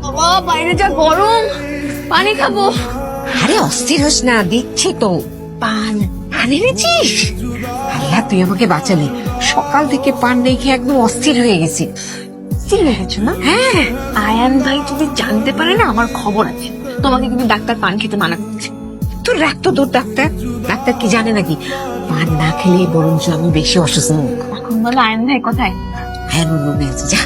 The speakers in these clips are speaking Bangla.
বাবা বাইরে যা গরম, পানি খাবো। আরে অস্থির হোস না, দিচ্ছি তো পান। পান এনেছিস? আল্লাহ তুই আমাকে বাঁচালি, সকাল থেকে পান রেখে একদম অস্থির হয়ে গেছি। অস্থির হয়ে গেছো না? হ্যাঁ। আয়ান ভাই যদি জানতে পারে না আমার খবর আছে, তোমাকে কিন্তু ডাক্তার পান খেতে মানা করছে। তোর রাখতো তোর ডাক্তার, ডাক্তার কি জানে নাকি পান না খেলে বরঞ্চ আমি বেশি অসুস্থ। এখন বলো আয়ান ভাই কোথায়? হ্যাঁ রুমে আছে, যা।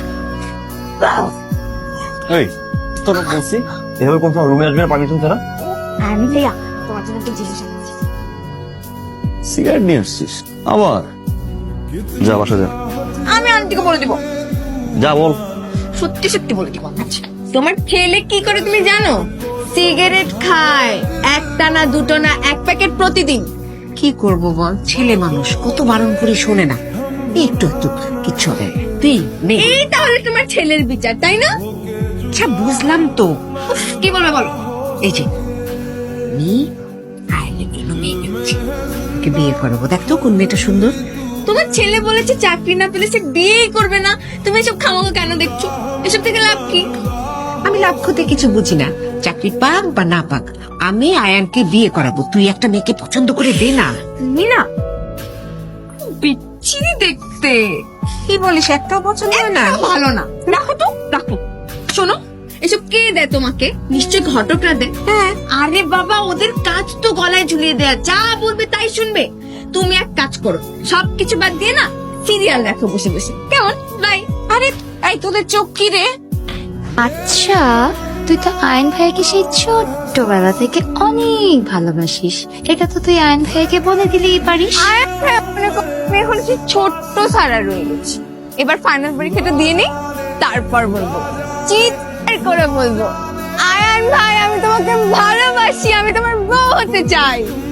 এই তোর বলছি এভাবে কোন রুমে আসবে না, পানি শুনছে না। আয়ান ভাইয়া তোমার জন্য একটা জিনিস আনছি। সিগারেট নিয়ে আসছিস আবার? যা বাসা যা। আমি আন্টিকে বলে দিব, যা বল। সত্যি সত্যি বলে দিব। তোমার ছেলে কি করে তুমি জানো? সিগারেট খায়, একটা না দুটো না, এক প্যাকেট প্রতিদিন। কি করব বল, ছেলে মানুষ, কত বারণ করে শোনে না। একটু একটু কিচ্ছু হবে না। তুই নে। এই তাহলে তোমার ছেলের বিচার, তাই না? আচ্ছা বুঝলাম তো। উফ, কি বলবে বলো। এই যে আমি আইনের জন্য মেয়ে দেখছি, ওকে বিয়ে করবো। দেখ তো কোন মেয়েটা সুন্দর। তোমার ছেলে বলেছে চাকরি না পেলে সে বিয়েই করবে না, তুমি এসব খামাখা কেন দেখছো? এসব থেকে লাভ কি? আমি লাভ ক্ষতি কিছু বুঝি না, চাকরি পাক বা না পাক আমি আয়ানকে বিয়ে করাবো। তুই একটা মেয়েকে পছন্দ করে দে না। তুমি না বিচ্ছিরি দেখতে, কি বলিস, একটাও পছন্দ হয় না? ভালো না। রাখো তো, রাখো। শোনো, এসব কে দেয় তোমাকে? নিশ্চয় ঘটকরা দেয়। হ্যাঁ। আরে বাবা, ওদের কাজ তো গলায় ঝুলিয়ে দেয়া, যা বলবে তাই শুনবে। তুমি এক কাজ করো, সবকিছু বাদ দিয়ে না সিরিয়াল রাখো বসে বসে, কেমন? বাই। আরে এই তোদের চোখ কি রে? আচ্ছা, তুই তো আয়ন ভাইকে সেই ছোট্টবেলা থেকে অনেক ভালোবাসিস, এটা তো তুই আয়ন ভাইকে বলে দিলেই পারিস। আয়ান ভাই আমি এখন সেই ছোট্ট সারা রয়ে গেছি। এবার ফাইনাল পরীক্ষাটা দিয়ে নি, তারপর বলবো, চিৎকার করে বলবো, আয়ান ভাই আমি তোমাকে ভালোবাসি, আমি তোমার বউ হতে চাই।